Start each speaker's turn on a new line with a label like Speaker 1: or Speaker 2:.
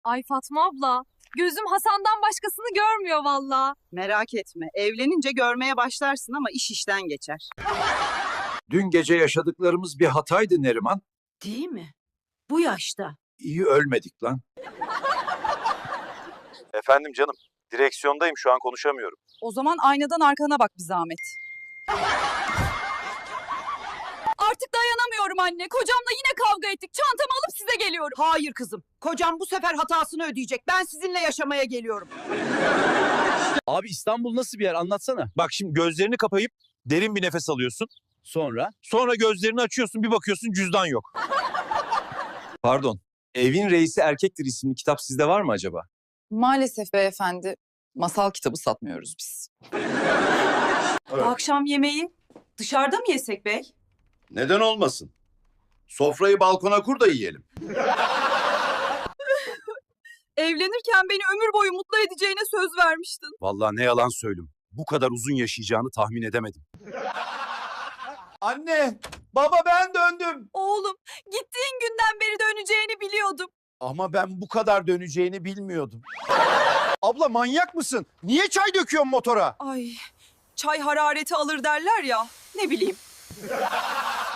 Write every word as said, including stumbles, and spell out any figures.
Speaker 1: Ay Fatma abla, gözüm Hasan'dan başkasını görmüyor valla.
Speaker 2: Merak etme, evlenince görmeye başlarsın ama iş işten geçer.
Speaker 3: Dün gece yaşadıklarımız bir hataydı Neriman.
Speaker 4: Değil mi? Bu yaşta.
Speaker 3: İyi ölmedik lan.
Speaker 5: Efendim canım, direksiyondayım şu an konuşamıyorum.
Speaker 2: O zaman aynadan arkana bak bir zahmet.
Speaker 1: Artık dayanamıyorum anne. Kocamla yine kavga ettik. Çantamı alıp size geliyorum.
Speaker 2: Hayır kızım, kocam bu sefer hatasını ödeyecek. Ben sizinle yaşamaya geliyorum.
Speaker 6: Abi İstanbul nasıl bir yer anlatsana.
Speaker 5: Bak şimdi gözlerini kapayıp derin bir nefes alıyorsun.
Speaker 6: Sonra?
Speaker 5: Sonra gözlerini açıyorsun, bir bakıyorsun cüzdan yok.
Speaker 7: Pardon, Evin Reisi Erkektir isimli kitap sizde var mı acaba?
Speaker 8: Maalesef beyefendi, masal kitabı satmıyoruz biz.
Speaker 2: Akşam yemeği dışarıda mı yesek bey?
Speaker 3: Neden olmasın? Sofrayı balkona kur da yiyelim.
Speaker 2: Evlenirken beni ömür boyu mutlu edeceğine söz vermiştin.
Speaker 5: Vallahi ne yalan söyleyeyim. Bu kadar uzun yaşayacağını tahmin edemedim.
Speaker 3: Anne, baba ben döndüm.
Speaker 1: Oğlum, gittiğin günden beri döneceğini biliyordum.
Speaker 3: Ama ben bu kadar döneceğini bilmiyordum. Abla manyak mısın? Niye çay döküyorsun motora?
Speaker 2: Ay, çay harareti alır derler ya. Ne bileyim.